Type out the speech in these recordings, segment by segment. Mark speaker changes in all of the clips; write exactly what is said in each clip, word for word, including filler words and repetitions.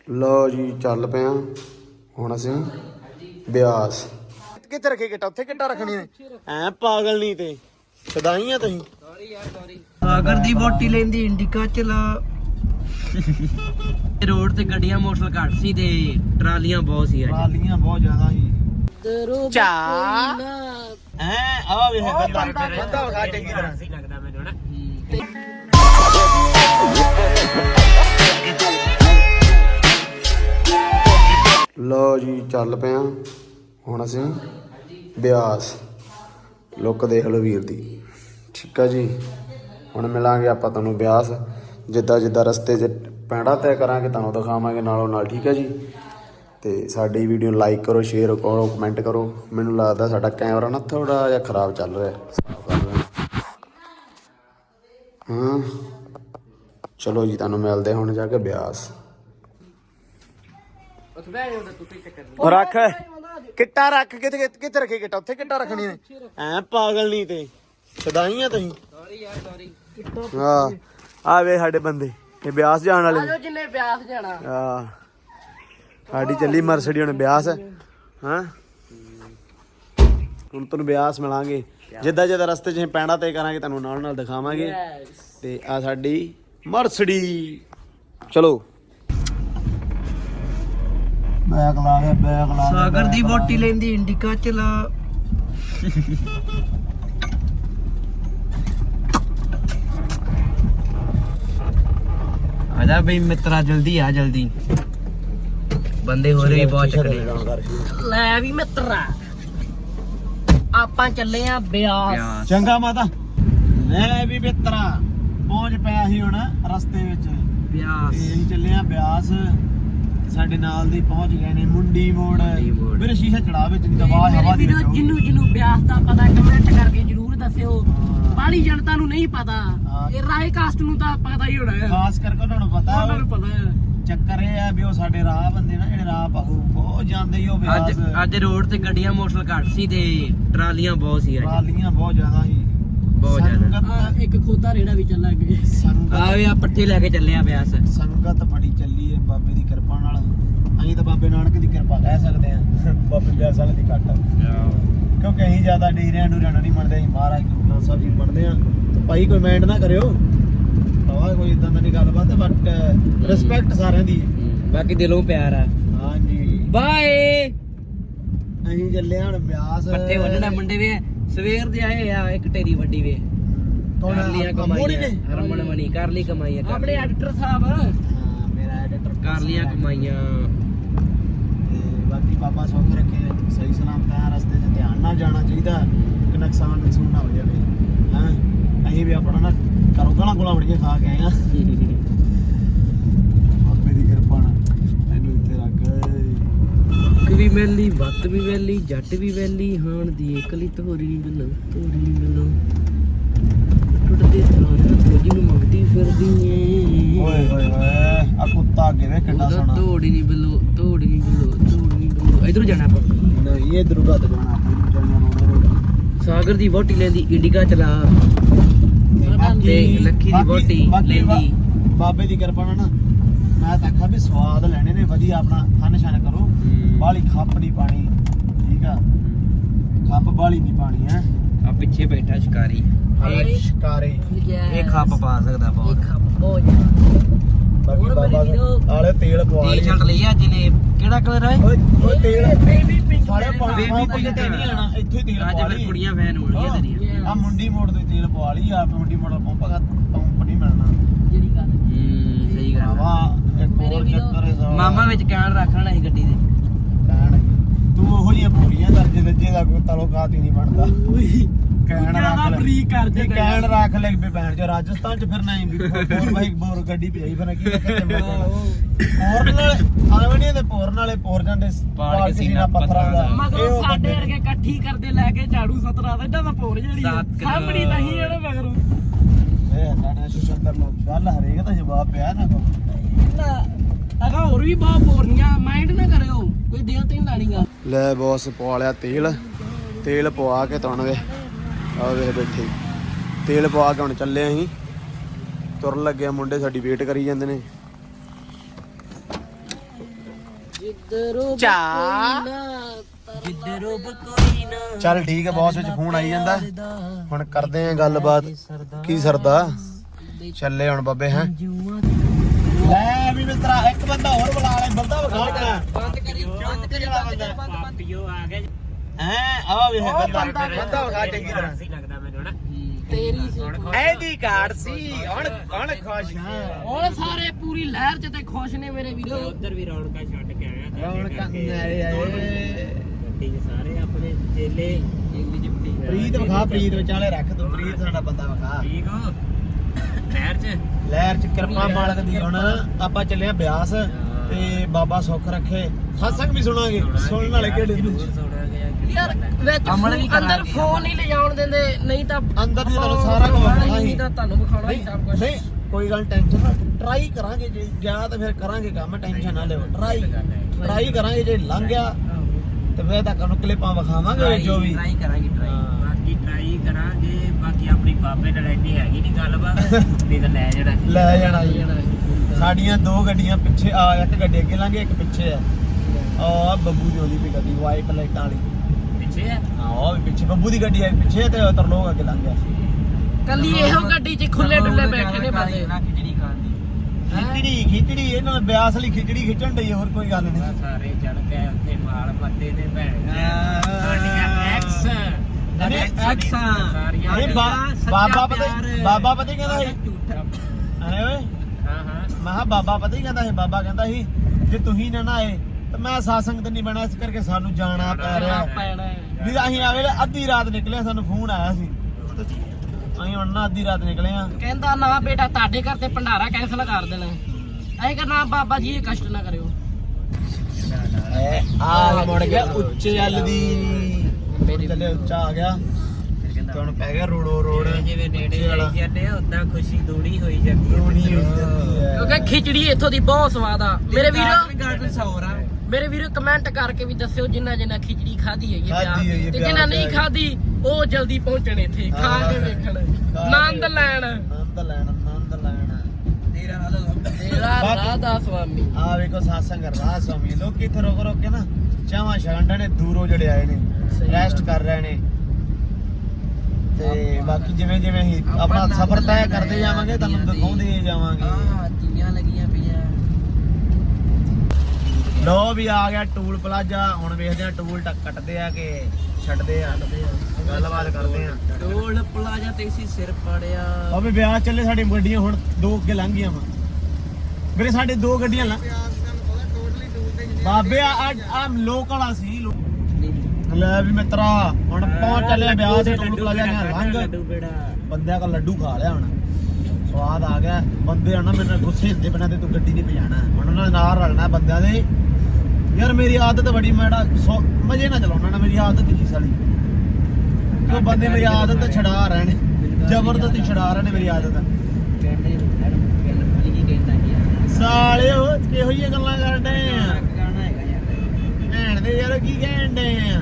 Speaker 1: लो जी चल पे हुण असीं ब्यास कित्थे रखे किट्टा उत्थे किट्टा रखनी ने ऐ पागल नहीं ते सदाई आ तुसीं सॉरी यार सॉरी
Speaker 2: सागर दी वोटी लेंदी इंडिका चला रोड ते गड्डियां मोटरसाइकिल घट सी ते ट्रालियां बहुत सी
Speaker 1: ट्रालियां बहुत ज्यादा ही चा हैं आ वे बंदा बंदा उठा चंगी तरह सी लगदा मैनू ना लो जी चल पे हुण असीं ब्यास लुक देख लो वीर दी ठीक है जी हुण मिलांगे आपां तुहानूं ब्यास जिद्दां जिद्दां रस्ते 'च पैंडा तय करांगे तुहानूं दिखावांगे नालों नाल ठीक है जी ते साडी वीडियो लाइक करो शेयर करो कमेंट करो मैनूं लगदा साडा कैमरा ना थोड़ा जिहा खराब चल रहा हाँ चलो जी तुहानूं मिलदे हुण जाके ब्यास रख किट्टा रख कित्थे कित्थे रखे किट्टा उत्थे किट्टा रखनी ने ऐ पागल नहीं ते सदाई आ तुसीं सॉरी यार सॉरी हां आ वे साडे बंदे ये ब्यास जाण वाले
Speaker 2: आजो जिन्ने ब्यास जाना
Speaker 1: हां साडी चली मरसडी हुण ब्यास हां हुण तुहानूं ब्यास मिलांगे जिद्दां जिद्दां रस्ते 'च पैंडा तय करांगे तुहानूं नाल नाल दिखावांगे ते आ साडी मरसडी चलो बैग ला के बैग ला
Speaker 2: सागर दी वोटी लेंदी इंडिका चला आजा भाई मित्रा जल्दी आ जल्दी बंदे हो रहे बहुत चक्करे ले भी मित्रा ਆਪਾਂ ਚੱਲੇ ਆ ਬਿਆਸ
Speaker 1: ਚੰਗਾ ਮਾਤਾ ਲੈ ਵੀ ਮਿੱਤਰਾ ਪਹੁੰਚ ਪਿਆ ਸੀ ਹੁਣ ਰਸਤੇ ਵਿੱਚ
Speaker 2: ਬਿਆਸ
Speaker 1: ਅਸੀਂ ਚੱਲੇ ਆ ਬਿਆਸ ਸਾਡੇ ਨਾਲ ਦੀ ਪਹੁੰਚ ਗਏ ਨੇ ਮੁੰਡੀ ਮੋੜ ਮੇਰੇ ਸ਼ੀਸ਼ਾ ਚੜਾ ਵਿੱਚ ਦਬਾ ਹਵਾ ਦੀ ਵਿੱਚ
Speaker 2: ਜਿੰਨੂੰ ਜਿੰਨੂੰ ਬਿਆਸ ਦਾ ਪਤਾ ਕਮੈਂਟ ਕਰਕੇ ਜਰੂਰ ਦੱਸਿਓ ਬਾਲੀ ਜਨਤਾ ਨੂੰ ਨਹੀਂ ਪਤਾ ਇਹ ਰਾਏ ਕਾਸਟ ਨੂੰ ਤਾਂ ਪਤਾ ਹੀ ਹੋਣਾ
Speaker 1: ਖਾਸ ਕਰਕੇ ਤੁਹਾਨੂੰ ਪਤਾ
Speaker 2: ਉਹਨਾਂ ਨੂੰ ਪਤਾ ਹੈ
Speaker 1: ਚੱਕਰ ਇਹ ਆ ਵੀ ਉਹ ਸਾਡੇ ਰਾਹ ਬੰਦੇ ਨਾ ਜਿਹੜੇ ਰਾਹ ਪਾਹੂ ਬਹੁਤ ਜਾਂਦੇ ਹੀ ਉਹ ਬਿਆਸ
Speaker 2: ਅੱਜ ਅੱਜ ਰੋਡ ਤੇ ਗੱਡੀਆਂ ਮੋਟਰਸਾਈਕਲ ਘੱਟ ਸੀ ਤੇ ਟਰਾਲੀਆਂ ਬਹੁਤ ਸੀ ਅੱਜ
Speaker 1: ਟਰਾਲੀਆਂ ਬਹੁਤ ਜ਼ਿਆਦਾ ਸੀ
Speaker 2: ਬਹੁਤ ਜ਼ਿਆਦਾ ਇੱਕ ਖੋਤਾ ਰੇੜਾ ਵੀ ਚੱਲਾ ਅੱਗੇ
Speaker 1: ਸੰਗਤ
Speaker 2: ਆਵੇ ਆ ਪੱਠੇ ਲੈ ਕੇ ਚੱਲੇ ਆ ਬਿਆਸ
Speaker 1: ਸੰਗਤ ਬੜੀ ਚੱਲੀ ਹੈ ਬਾਬੇ ਦੀ ਕਿਰਪਾ ਨਾਲ ਅਸੀਂ ਤਾਂ ਬਾਬੇ ਨਾਨਕ ਦੀ ਕਿਰਪਾ ਕਹਿ ਸਕਦੇ ਆ ਬਾਬੇ ਬਿਆਸ ਵਾਲੇ ਦੀ ਘੱਟ ਕਿਉਂਕਿ ਅਸੀਂ ਜ਼ਿਆਦਾ ਡੇਰਿਆਂ ਨੂੰ ਰਹਿਣਾ ਨਹੀਂ ਮੰਨਦੇ ਅਸੀਂ ਮਹਾਰਾਜ ਗੁਰੂ ਗ੍ਰੰਥ ਸਾਹਿਬ ਜੀ ਮੰਨਦੇ ਆ ਭਾਈ ਕੋਈ ਮਾਈਂਡ ਨਾ ਕਰਿਓ ਤਾਂ ਕੋਈ ਇਦਾਂ ਦੀ ਗੱਲਬਾਤ ਹੈ ਬਟ ਰਿਸਪੈਕਟ ਸਾਰਿਆਂ ਦੀ
Speaker 2: ਬਾਕੀ ਦਿਲੋਂ ਪਿਆਰ ਆ
Speaker 1: ਹਾਂਜੀ
Speaker 2: ਬਾਏ
Speaker 1: ਅਸੀਂ ਚੱਲੇ ਹੁਣ ਬਿਆਸ
Speaker 2: ਪੱਠੇ ਵੱਢਣਾ ਮੁੰਡੇ ਵੇ ਸਵੇਰ ਦੇ ਆਏ ਆ ਇੱਕ ਢੇਰੀ ਵੱਡੀ ਵੇ ਕਰ ਲੀਆਂ ਕਮਾਈਆਂ ਹਰਮਨ ਮਣੀ ਕਰ ਲਈ ਕਮਾਈਆਂ ਆਪਣੇ ਐਡੀਟਰ ਸਾਹਿਬ
Speaker 1: ਹਾਂ ਮੇਰਾ ਐਡੀਟਰ
Speaker 2: ਕਰ ਲੀਆਂ ਕਮਾਈਆਂ
Speaker 1: ਤੇ ਬਾਕੀ ਬਾਬਾ ਸੁੱਖ ਰੱਖੇ ਸਹੀ ਸਲਾਮਤ ਆ ਰਸਤੇ 'ਚ ਧਿਆਨ ਨਾਲ ਜਾਣਾ ਚਾਹੀਦਾ ਕਿ ਨੁਕਸਾਨ ਨੁਕਸਾਨ ਨਾ ਹੋ ਜਾਵੇ ਹਾਂ ਅਸੀਂ ਵੀ ਆਪਣਾ ਨਾ ਕਰੋ ਗਾਲਾਂ ਗੋਲਾਂ ਵੜੀਆਂ ਖਾ ਕੇ ਆਏ ਆ ਬਾਬੇ ਦੀ ਕਿਰਪਾ ਨਾਲ ਇਹਨੂੰ ਇੱਥੇ ਰੱਖ
Speaker 2: ਅੱਖ ਵੀ ਵੈਲੀ ਵੱਤ ਵੀ ਵੈਲੀ ਜੱਟ ਵੀ ਵੈਲੀ ਹਾਣ ਦੀ ਇਕਲੀ ਤੋਰੀ ਵੱਲੋਂ ਤੋਰੀ ਵੱਲੋਂ ਟੁੱਟਦੇ ਤਾਰਾਂ ਕੁਝ ਨੂੰ ਮੰਗਦੀ ਫਿਰਦੀ ਏ
Speaker 1: ਓਏ ਹੋਏ ਹੋਏ ਆ ਕੁੱਤਾ ਅੱਗੇ ਵੇ ਕਿੰਨਾ ਸੋਹਣਾ
Speaker 2: ਤੋੜੀ ਨਹੀਂ ਵੱਲੋਂ ਤੋੜੀ ਨਹੀਂ ਵੱਲੋਂ ਤੋੜੀ ਨਹੀਂ ਵੱਲੋਂ ਇਧਰੋਂ ਜਾਣਾ ਆਪਾਂ
Speaker 1: ਨਹੀਂ ਇਧਰੋਂ ਘੱਟ ਜਾਣਾ ਆਪਾਂ ਜਾਣਾ ਰੋਡ
Speaker 2: ਸਾਗਰ ਦੀ ਵੋਟੀ ਲੈਂਦੀ ਇੰਡੀਕਾ ਚਲਾ ਤੇ ਲੱਖੀ ਦੀ ਵੋਟੀ ਲੈਂਦੀ
Speaker 1: ਬਾਬੇ ਦੀ ਕਿਰਪਾ ਨਾਲ ਨਾ ਮੈਂ ਤਾਂ ਆਖਾਂ ਵੀ ਸਵਾਦ ਲੈਣੇ ਨੇ ਵਧੀਆ ਆਪਣਾ ਖਾਣ ਛਾਣ ਕਰੋ ਬਾਲੀ ਖੱਪ ਨਹੀਂ ਪਾਣੀ ਠੀਕ ਆ ਖੱਪ ਬਾਲੀ ਨਹੀਂ ਪਾਣੀ ਹੈ
Speaker 2: ਆ ਪਿੱਛੇ ਬੈਠਾ ਸ਼ਿਕਾਰੀ
Speaker 1: ਇਹ ਸ਼ਿਕਾਰੀ
Speaker 2: ਇਹ ਖੱਪ ਪਾ ਸਕਦਾ ਬਹੁਤ ਖੱਪ ਬਹੁਤ
Speaker 1: ਬਾਕੀ ਬਾਬਾ ਆਲੇ ਤੇਲ ਪਵਾ ਲਈ
Speaker 2: ਟੀ-ਸ਼ਰਟ ਲਈ ਅੱਜ ਨੇ ਕਿਹੜਾ ਕਲਰ ਹੈ
Speaker 1: ਓਏ ਓਏ ਤੇਲ
Speaker 2: ਬੇਬੀ ਪਿੰਕ
Speaker 1: ਸਾਰੇ ਪਾਣੀ ਪਾਣੀ ਤੇ ਨਹੀਂ ਆਣਾ ਇੱਥੇ ਤੇਲ
Speaker 2: ਅੱਜ
Speaker 1: ਪਵਾ
Speaker 2: ਫਿਰ
Speaker 1: ਲਈ
Speaker 2: ਕੁੜੀਆਂ ਫੈਨ ਹੋਣਗੀਆਂ ਤੇਰੀਆਂ
Speaker 1: ਆ ਮੁੰਡੀ ਮੋੜ ਦੇ ਤੇਲ ਪਵਾ ਲਈ ਆ ਮੁੰਡੀ ਮੋੜ ਪੰਪ ਪੰਪ ਨਹੀਂ ਮਿਲਣਾ
Speaker 2: ਜਿਹੜੀ ਗੱਲ ਹੂੰ ਸਹੀ ਗੱਲ
Speaker 1: ਵਾਹ ਇੱਕ ਹੋਰ ਚੱਕਰ ਹੈ
Speaker 2: ਮਾਮਾ ਵਿੱਚ ਕੈਨ ਰੱਖ ਲੈਣਾ ਸੀ ਗੱਡੀ ਦੇ
Speaker 1: ਕਹਿਣ ਤੂੰ ਉਹੋ ਜਿਹੀਆਂ ਪੂਰੀਆਂ ਦਰਜੇ ਦੱਜੇ ਦਾ ਕੋਈ ਤਾਲੁਕਾਤ ਹੀ ਨਹੀਂ ਬਣਦਾ ਕਹਿਣ ਰੱਖ ਲੈ
Speaker 2: ਬਰੀਕ ਕਰ ਦੇ
Speaker 1: ਕਹਿਣ ਰੱਖ ਲੈ ਵੀ ਭੈਣ ਜੋ ਰਾਜਸਥਾਨ ਚ ਫਿਰਨਾ ਹੈ ਵੀ ਹੋਰ ਬਾਈ ਬੋਰ ਗੱਡੀ ਭਜਾਈ ਫਿਰ ਕੀ ਹੋਰ ਨਾਲ ਆਵੇਂ ਨਹੀਂ ਤੇ ਪੋਰ ਨਾਲੇ ਪੋਰ ਜਾਂਦੇ ਪਾੜ ਕੇ ਸੀਨਾ ਪੱਥਰਾਂ ਦਾ
Speaker 2: ਮਗਰੋਂ ਸਾਡੇ ਵਰਗੇ ਇਕੱਠੀ ਕਰਦੇ ਲੈ ਕੇ ਝਾੜੂ ਸਤਰਾ ਦਾ ਇਦਾਂ ਦਾ ਪੋਰ ਜਿਹੜੀ ਸਾਹਮਣੀ ਨਹੀਂ ਜਿਹੜੇ ਮਗਰੋਂ
Speaker 1: ਇਹ ਨਾਲੇ ਸੁਸ਼ੰਦਰ ਨੂੰ ਗੱਲ ਹਰੇਕ ਦਾ ਜਵਾਬ ਪਿਆ ਨਾ ਕੋ
Speaker 2: ਅਗਾ ਹੋਰ ਵੀ ਬਹੁਤ ਪੋਰਨੀਆਂ ਮਾਈਂਡ ਨਾ ਕਰਿਓ ਕੋਈ ਦਿਲ ਤੇ ਨਹੀਂ ਲਾਣੀਗਾ
Speaker 1: ਲੈ ਬੌਸ ਪਵਾ ਲਿਆ ਤੇਲ ਤੇਲ ਪਵਾ ਕੇ ਤੁਣ ਵੇ ਆ ਵੇ ਬੈਠੇ ਤੇਲ ਪਵਾ ਕੇ ਹੁਣ ਚੱਲੇ ਅਸੀਂ ਤੁਰਨ ਲੱਗੇ ਮੁੰਡੇ ਸਾਡੀ ਵੇਟ ਕਰੀ ਜਾਂਦੇ ਨੇ
Speaker 2: ਜਿੱਧਰੋਂ
Speaker 1: ਚਾ।
Speaker 2: ਜਿੱਧਰੋਂ ਕੋਈ ਨਾ
Speaker 1: ਚੱਲ ਠੀਕ ਹੈ, ਬੌਸ ਵਿੱਚ ਫੋਨ ਆਈ ਜਾਂਦਾ। ਹੁਣ ਕਰਦੇ ਆਂ ਗੱਲਬਾਤ। ਕੀ ਸਰਦਾ ਚੱਲੇ ਹੁਣ ਬਾਬੇ ਹੈ। ਲੈ ਵੀ ਮਿੱਤਰਾ ਇੱਕ ਬੰਦਾ ਹੋਰ ਬੁਲਾ ਲੈ, ਬੰਦਾ ਵਿਖਾ
Speaker 2: ਬੰਦ ਕਰੀ ਬੰਦ ਕਰੀ ਬੰਦ ਕਰੀ ਬੰਦ ਪੀਓ ਆ ਗਿਆ
Speaker 1: ਹੈ। ਆ ਵੇ ਬੰਦਾ ਬੰਦਾ ਵਿਖਾ ਚੰਗੀ ਤਰ੍ਹਾਂ
Speaker 2: ਲੱਗਦਾ ਮੈਨੂੰ ਨਾ ਤੇਰੀ ਸੀ
Speaker 1: ਐਦੀ ਕਾਰਡ ਸੀ। ਹੁਣ ਹੁਣ ਖੁਸ਼ ਹਾਂ।
Speaker 2: ਹੁਣ ਸਾਰੇ ਪੂਰੀ ਲਹਿਰ ਚ ਤੇ ਖੁਸ਼ ਨੇ ਮੇਰੇ ਵੀਰੋ। ਉਧਰ ਵੀ ਰੌਣਕਾਂ ਛੱਡ ਕੇ ਆਇਆ
Speaker 1: ਰੌਣਕਾਂ ਆਏ ਆਏ
Speaker 2: ਗੱਡੀ ਚ ਸਾਰੇ ਆਪਣੇ ਚੇਲੇ ਚੇਲੀ ਜਿਪਟੀ
Speaker 1: ਪ੍ਰੀਤ ਵਿਖਾ, ਪ੍ਰੀਤ ਵਿਚਾਲੇ ਰੱਖ ਤੂੰ। ਪ੍ਰੀਤ ਸਾਡਾ ਬੰਦਾ ਵਿਖਾ।
Speaker 2: ਠੀਕ ਹੋ ਲਹਿਰ ਚ
Speaker 1: ਲਹਿਰ ਚ ਕਿਰਪਾ ਮਾਲਕ ਦੀ। ਹੁਣ ਆਪਾਂ ਚੱਲੇ ਆ ਬਿਆਸ ਤੇ ਬਾਬਾ ਸੁੱਖ ਰੱਖੇ। ਸਤਸੰਗ ਵੀ ਸੁਣਾਂਗੇ। ਸੁਣਨ ਵਾਲੇ ਕਿਹੜੇ ਯਾਰ ਵਿੱਚ ਅੰਦਰ ਫੋਨ ਨਹੀਂ ਲਿਜਾਉਣ ਦਿੰਦੇ, ਨਹੀਂ ਤਾਂ ਅੰਦਰ ਦੀ ਤੁਹਾਨੂੰ ਸਾਰਾ ਕੁਝ ਵਿਖਾਉਣਾ ਹੀ।
Speaker 2: ਨਹੀਂ ਤਾਂ ਤੁਹਾਨੂੰ ਵਿਖਾਉਣਾ ਹੀ ਸਭ ਕੁਝ।
Speaker 1: ਨਹੀਂ ਕੋਈ ਗੱਲ ਟੈਨਸ਼ਨ ਨਾ, ਟਰਾਈ ਕਰਾਂਗੇ। ਜੇ ਗਿਆ ਤਾਂ ਫਿਰ ਕਰਾਂਗੇ ਕੰਮ, ਟੈਨਸ਼ਨ ਨਾ ਲਿਓ। ਟਰਾਈ ਟਰਾਈ ਕਰਾਂਗੇ, ਜੇ ਲੰਘ ਗਿਆ ਤੇ ਫਿਰ ਤਾਂ ਤੁਹਾਨੂੰ ਕਲਿੱਪਾਂ ਵਿਖਾਵਾਂਗੇ ਜੋ ਵੀ
Speaker 2: ਟਰਾਈ ਕਰਾਂਗੇ। ਟਰਾਈ ਬਾਕੀ ਟਰਾਈ ਕਰਾਂਗੇ। ਬਾਕੀ ਆਪਣੀ ਬਾਬੇ ਨਾਲ ਐਡੀ ਹੈਗੀ ਨਹੀਂ ਗੱਲਬਾਤ, ਨਹੀਂ ਤਾਂ ਲੈ ਜਾਣਾ
Speaker 1: ਲੈ ਜਾਣਾ ਜੀ। ਸਾਡੀਆਂ ਦੋ ਗੱਡੀਆਂ ਪਿੱਛੇ ਆ, ਇੱਕ ਗੱਡੀ ਅੱਗੇ ਲੰਘੇ, ਇੱਕ ਪਿੱਛੇ ਆ। ਆ ਬੱਬੂ ਦੀ ਉਹਦੀ ਵੀ ਗੱਡੀ ਵਾਈਟ ਲਾਈਟਾਂ ਵਾਲੀ
Speaker 2: ਪਿੱਛੇ ਆ।
Speaker 1: ਹਾਂ ਉਹ ਵੀ ਪਿੱਛੇ ਬੱਬੂ ਦੀ ਗੱਡੀ ਹੈ ਪਿੱਛੇ, ਤੇ ਉਧਰ ਲੋਕ ਅੱਗੇ ਲੰਘ ਗਿਆ।
Speaker 2: ਕੱਲੀ ਇਹੋ ਗੱਡੀ 'ਚ ਖੁੱਲੇ ਡੁੱਲੇ ਬੈਠੇ ਨੇ ਬੰਦੇ। ਖਿਚੜੀ ਖਾਣ ਦੀ
Speaker 1: ਖਿਚੜੀ ਖਿਚੜੀ ਇਹਨਾਂ ਨੇ ਬਿਆਸ ਲਈ ਖਿਚੜੀ ਖਿੱਚਣ ਡਈ, ਹੋਰ ਕੋਈ ਗੱਲ ਨਹੀਂ।
Speaker 2: ਸਾਰੇ ਚੜ ਕੇ ਉੱਥੇ ਮਾਲ ਪੱਤੇ ਨੇ ਭੈਣ ਸਾਡੀਆਂ ਐਕਸ ਐਕਸਾਂ ਸਾਰੀਆਂ।
Speaker 1: ਅਰੇ ਬਾਬਾ ਪਤਾ ਬਾਬਾ ਪਤਾ ਕਹਿੰਦਾ ਸੀ ਅਰੇ ਓਏ
Speaker 2: ਹਾਂ ਹਾਂ
Speaker 1: ਮੈਂ ਕਿਹਾ ਬਾਬਾ ਪਤਾ ਹੀ ਕਹਿੰਦਾ ਸੀ। ਬਾਬਾ ਕਹਿੰਦਾ ਸੀ ਜੇ ਤੁਸੀਂ ਨਾ ਨਾ ਆਏ ਤੇ ਮੈਂ ਸਾਸੰਗ ਤੇ ਨਹੀਂ ਬਣਾ, ਇਸ ਕਰਕੇ ਸਾਨੂੰ ਜਾਣਾ ਪੈ ਰਿਹਾ। ਵੀ ਅਸੀਂ ਆਵੇ ਅੱਧੀ ਰਾਤ ਨਿਕਲੇ, ਸਾਨੂੰ ਫੋਨ ਆਇਆ ਸੀ। ਅਸੀਂ ਹੁਣ ਨਾ ਅੱਧੀ ਰਾਤ ਨਿਕਲੇ ਆ।
Speaker 2: ਕਹਿੰਦਾ ਨਾ ਬੇਟਾ ਤੁਹਾਡੇ ਘਰ ਤੇ ਭੰਡਾਰਾ ਕੈਂਸਲ ਕਰ ਦੇਣਾ। ਅਸੀਂ ਕਹਿੰਦਾ ਨਾ ਬਾਬਾ ਜੀ ਇਹ ਕਸ਼ਟ ਨਾ ਕਰਿਓ।
Speaker 1: ਆ ਮੁੜ ਗਿਆ ਉੱਚੇ ਵੱਲ ਦੀ ਥੱਲੇ ਉੱਚਾ ਆ ਗਿਆ ਤੇ ਹੁਣ ਪੈ ਗਿਆ ਰੋੜੋ ਰੋੜ।
Speaker 2: ਜਿਵੇਂ ਨੇੜੇ ਆਈ ਜਾਂਦੇ ਆ ਉਦਾਂ ਖੁਸ਼ੀ ਦੂਣੀ ਹੋਈ ਜਾਂਦੀ
Speaker 1: ਰੋਣੀ ਹੋਈ ਜਾਂਦੀ ਹੈ।
Speaker 2: ਕਿਉਂਕਿ ਖਿਚੜੀ ਇੱਥੋਂ ਦੀ ਬਹੁਤ ਸਵਾਦ ਆ ਮੇਰੇ ਵੀਰੋ। ਮੇਰੇ ਵੀਰੋ ਕਮੈਂਟ ਕਰਕੇ ਵੀ ਦੱਸਿਓ ਜਿੰਨਾ ਜਿੰਨਾ ਖਿਚੜੀ ਖਾਧੀ ਹੈਗੀ
Speaker 1: ਖਾਧੀ ਹੈਗੀ
Speaker 2: ਤੇ ਜਿੰਨਾ ਨਹੀਂ ਖਾਧੀ ਉਹ ਜਲਦੀ ਪਹੁੰਚਣ ਇੱਥੇ ਖਾ ਕੇ ਵੇਖਣ, ਆਨੰਦ ਲੈਣ
Speaker 1: ਆਨੰਦ ਲੈਣ ਆਨੰਦ ਲੈਣ। ਤੇਰਾ
Speaker 2: ਤੇਰਾ ਰਾਧਾ ਸੁਆਮੀ।
Speaker 1: ਆ ਵੇਖੋ ਸਾਸੰਗ ਰਾਧਾ ਸੁਆਮੀ ਲੋਕ ਇੱਥੇ ਰੁਕ ਰੁਕ ਕੇ ਨਾ ਚਾਵਾਂ ਛਾਂਡਾਂ ਨੇ ਦੂਰੋਂ ਜਿਹੜੇ ਆਏ ਨੇ ਰੈਸਟ ਕਰ ਰਹੇ ਨੇ। ਤੇ ਬਾਕੀ ਜਿਵੇਂ ਜਿਵੇਂ ਅਸੀਂ ਆਪਣਾ ਸਫ਼ਰ ਤੈਅ ਕਰਦੇ ਜਾਵਾਂਗੇ ਤੁਹਾਨੂੰ ਦਿਖਾਉਂਦੇ ਜਾਵਾਂਗੇ।
Speaker 2: ਹਾਂ ਤੀਆਂ ਲੱਗੀਆਂ ਪਈਆਂ।
Speaker 1: ਲੋ ਵੀ ਆ ਗਿਆ ਟੂਲ ਪਲਾਜ਼ਾ। ਹੁਣ ਵੇਖਦੇ ਆ ਟੂਲ ਟੱਕ ਕੱਟਦੇ ਆ ਕਿ ਛੱਡਦੇ ਆ। ਗੱਲਬਾਤ ਕਰਦੇ ਆ।
Speaker 2: ਟੋਲ ਪਲਾਜ਼ਾ ਤੇ ਇਸੀ ਸਿਰ ਪੜਿਆ।
Speaker 1: ਉਹ ਵੀ ਵਿਆਹ ਚੱਲੇ, ਸਾਡੀ ਗੱਡੀਆਂ ਹੁਣ ਦੋ ਅੱਗੇ ਲੰਘ ਗਈਆਂ ਵਾ ਵੀਰੇ। ਸਾਡੇ ਦੋ ਗੱਡੀਆਂ ਲੰਘ ਬਾਬੇ ਆ ਆ ਲੋਕਲ ਆ ਸੀ। ਲੈ ਵੀ ਮਿੱਤਰਾ ਹੁਣ ਪਹੁੰਚ ਚੱਲੇ ਵਿਆਹ ਦੇ ਟੂਲ ਪਲਾਜ਼ਾ ਨੇ ਲੰਘ। ਬੰਦਿਆਂ ਦਾ ਲੱਡੂ ਖਾ ਲਿਆ, ਹੁਣ ਸਵਾਦ ਆ ਗਿਆ। ਬੰਦੇ ਹਣਾ ਮੈਨੂੰ ਗੁੱਸੇ ਹੁੰਦੇ ਬਿਨਾਂ ਤੇ ਤੂੰ ਗੱਡੀ ਨਹੀਂ ਭਜਾਣਾ। ਹੁਣ ਉਹਨਾਂ ਦੇ ਨਾਲ ਰਲਣਾ ਬੰਦਿਆਂ ਦੇ। ਯਾਰ ਮੇਰੀ ਆਦਤ ਬੜੀ, ਮੈਡਾ ਮਜੇ ਨਾਲ ਚਲਾਉਣਾ ਨਾ। ਮੇਰੀ ਆਦਤ ਹੀ ਸਾਲੀ ਕਿਉਂ ਬੰਦੇ ਮੇਰੀ ਆਦਤ ਛਡਾ ਰਹੇ ਨੇ, ਜ਼ਬਰਦਸਤੀ ਛਡਾ ਰਹੇ ਨੇ ਮੇਰੀ ਆਦਤ। ਸਾਲੇ ਉਹ ਕਿਹੋ ਜਿਹੀਆਂ ਗੱਲਾਂ ਕਰਦੇ ਆ ਭੈਣ ਦੇ ਯਾਰ। ਕੀ ਕਹਿਣ ਦੇ ਆ?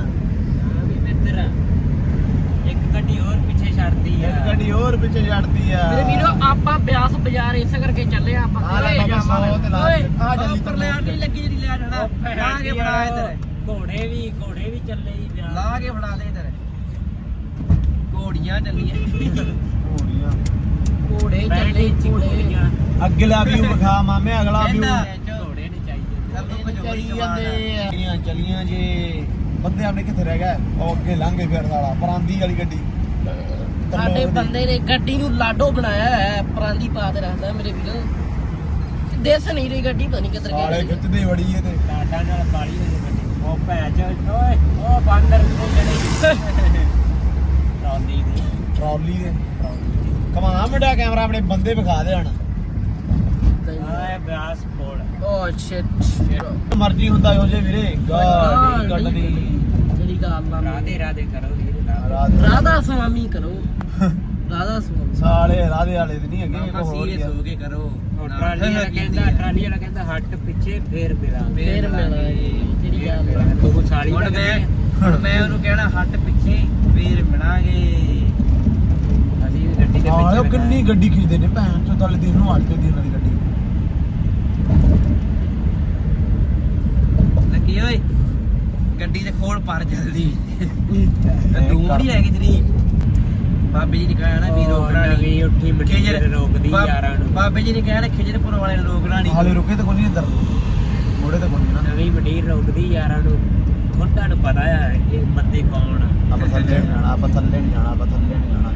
Speaker 2: ਇੱਕ ਗੱਡੀ ਹੋਰ ਪਿੱਛੇ ਛੱਡਦੀ ਆ।
Speaker 1: ਇੱਕ ਗੱਡੀ ਹੋਰ ਪਿੱਛੇ ਛੱਡਦੀ ਆ।
Speaker 2: ਮੇਰੇ ਵੀਰੋ ਆਪਾਂ ਬਿਆਸ ਬਾਜ਼ਾਰ ਇਸੇ ਕਰਕੇ ਚੱਲੇ ਆ। ਆਪਾਂ
Speaker 1: ਆ ਲੈ ਬਾਬਾ ਸੌ ਤੇ ਲਾ
Speaker 2: ਓਏ
Speaker 1: ਆ ਜਲਦੀ
Speaker 2: ਉੱਪਰ ਲੈ ਨਹੀਂ ਲੱਗੀ ਜਿਹੜੀ ਲੈ ਜਾਣਾ। ਲਾ ਕੇ ਫੜਾ ਇੱਧਰ। ਘੋੜੇ ਵੀ ਘੋੜੇ ਵੀ ਚੱਲੇ ਜੀ ਬਿਆਸ। ਲਾ ਕੇ ਫੜਾ ਦੇ ਇੱਧਰ। ਘੋੜੀਆਂ ਚੱਲੀਆਂ।
Speaker 1: ਘੋੜੀਆਂ
Speaker 2: ਘੋੜੇ ਚੱਲੇ ਘੋੜੇ।
Speaker 1: ਅਗਲਾ ਵਿਊ ਵਿਖਾ ਮਾਮੇ, ਅਗਲਾ ਵਿਊ।
Speaker 2: ਘੋੜੇ ਨਹੀਂ ਚਾਹੀਦੇ।
Speaker 1: ਚਲੀਆਂ ਚਲੀਆਂ ਜੇ ਬੰਦੇ ਆਪਣੇ ਕਿੱਥੇ ਰਹਿ ਗਏ? ਉਹ ਅੱਗੇ ਲੰਘੇ ਫਿਰ ਸਾਲਾ ਪਰਾਂਦੀ ਵਾਲੀ ਗੱਡੀ।
Speaker 2: ਸਾਡੇ ਬੰਦੇ ਨੇ ਗੱਡੀ ਨੂੰ ਲਾਡੋ ਬਣਾਇਆ ਹੈ, ਪਰਾਂਦੀ ਪਾ ਤੇ ਰੱਖਦਾ ਮੇਰੇ ਵੀਰੋ। ਦਿਸ ਨਹੀਂ ਰਹੀ ਗੱਡੀ, ਪਤਾ ਨਹੀਂ ਕਿੱਧਰ
Speaker 1: ਸਾਲੇ
Speaker 2: ਗਈ।
Speaker 1: ਖਿੱਚਦੇ ਬੜੀ ਇਹ ਤੇ
Speaker 2: ਲਾਡਾ ਨਾਲ ਬਾਲੀ ਹੋਈ ਗੱਡੀ। ਉਹ ਭੈਜ ਓਏ ਉਹ ਬਾਂਦਰ ਨੂੰ ਜਿਹੜੇ ਟਰਾਲੀ ਦੀ
Speaker 1: ਟਰਾਲੀ ਦੇ ਕਮਾ ਮੁੰਡਾ ਕੈਮਰਾ ਆਪਣੇ ਬੰਦੇ ਵਿਖਾ ਦੇ ਹੁਣ।
Speaker 2: ਆਏ ਬਿਆਸ ਕੋਲ। ਓ ਸ਼ਿਟ
Speaker 1: ਮਰਜ਼ੀ ਹੁੰਦਾ ਹੋ ਜੇ ਵੀਰੇ। ਗਾੜੀ ਕੱਢਦੀ
Speaker 2: ਜਿਹੜੀ ਗੱਲ ਨਾ ਰਾਧੇ ਰਾਧੇ ਕਰੋ ਵੀਰੇ। ਰਾਧਾ ਸੁਆਮੀ ਕਰੋ। ਰਾਧਾ ਸੁਆਮੀ।
Speaker 1: ਸਾਲੇ ਰਾਧੇ ਵਾਲੇ ਤੇ ਨਹੀਂ ਹੈਗੇ ਕੋ ਹੋਰ
Speaker 2: ਸੀਰੀਅਸ ਹੋ ਕੇ ਕਰੋ। ਟਰਾਲੀ ਵਾਲਾ ਕਹਿੰਦਾ ਟਰਾਲੀ ਵਾਲਾ ਕਹਿੰਦਾ ਹੱਟ ਪਿੱਛੇ ਫੇਰ ਮਿਲਾ ਫੇਰ ਮਿਲਾ। ਜਿਹੜੀ ਗੱਲ ਉਹ ਸਾਲੀ ਹੁਣ ਮੈਂ ਹੁਣ ਮੈਂ ਉਹਨੂੰ ਕਹਿਣਾ ਹੱਟ ਪਿੱਛੇ ਫੇਰ ਮਿਲਾਂਗੇ। ਅਸੀਂ ਵੀ ਗੱਡੀ ਦੇ
Speaker 1: ਪਿੱਛੇ ਆਹ ਕਿੰਨੀ ਗੱਡੀ ਖਿੱਚਦੇ ਨੇ ਭੈਣ ਚੋਂ। ਤਲੇ ਦੇਖ ਨੂੰ ਹਟ ਕੇ ਦੀ ਉਹਨਾਂ ਦੀ ਗੱਡੀ।
Speaker 2: ਪਰ ਜਲਦੀ ਦੂਰ ਹੀ ਹੈਗੀ ਤੇਰੀ ਬਾਬੇ ਜੀ ਨੇ ਕਹਿਆ ਨਾ ਵੀ ਰੋਕਣਾ ਨਹੀਂ ਉੱਠੀ ਮੰਡੀ ਰੋਕਦੀ ਯਾਰਾਂ ਨੂੰ ਬਾਬੇ ਜੀ ਨੇ ਕਹਿਆ ਨਾ ਖਿਜਰਪੁਰ ਵਾਲੇ ਨੂੰ ਰੋਕਣਾ ਨਹੀਂ ਹਾਲੇ ਰੁਕੇ ਤਾਂ ਕੋਈ ਨਹੀਂ ਅੰਦਰ ਮੋੜੇ ਤਾਂ ਕੋਈ ਨਹੀਂ ਨਵੀਂ ਮੰਡੀ ਰੋਕਦੀ ਯਾਰਾਂ ਨੂੰ ਹੁਣ ਤੁਹਾਨੂੰ ਪਤਾ ਆ ਇਹ ਬੰਦੇ ਕੌਣ ਆ ਆਪਾਂ ਥੱਲੇ ਨਹੀਂ ਜਾਣਾ ਆਪਾਂ ਥੱਲੇ ਨਹੀਂ ਜਾਣਾ ਆਪਾਂ ਥੱਲੇ ਨਹੀਂ ਜਾਣਾ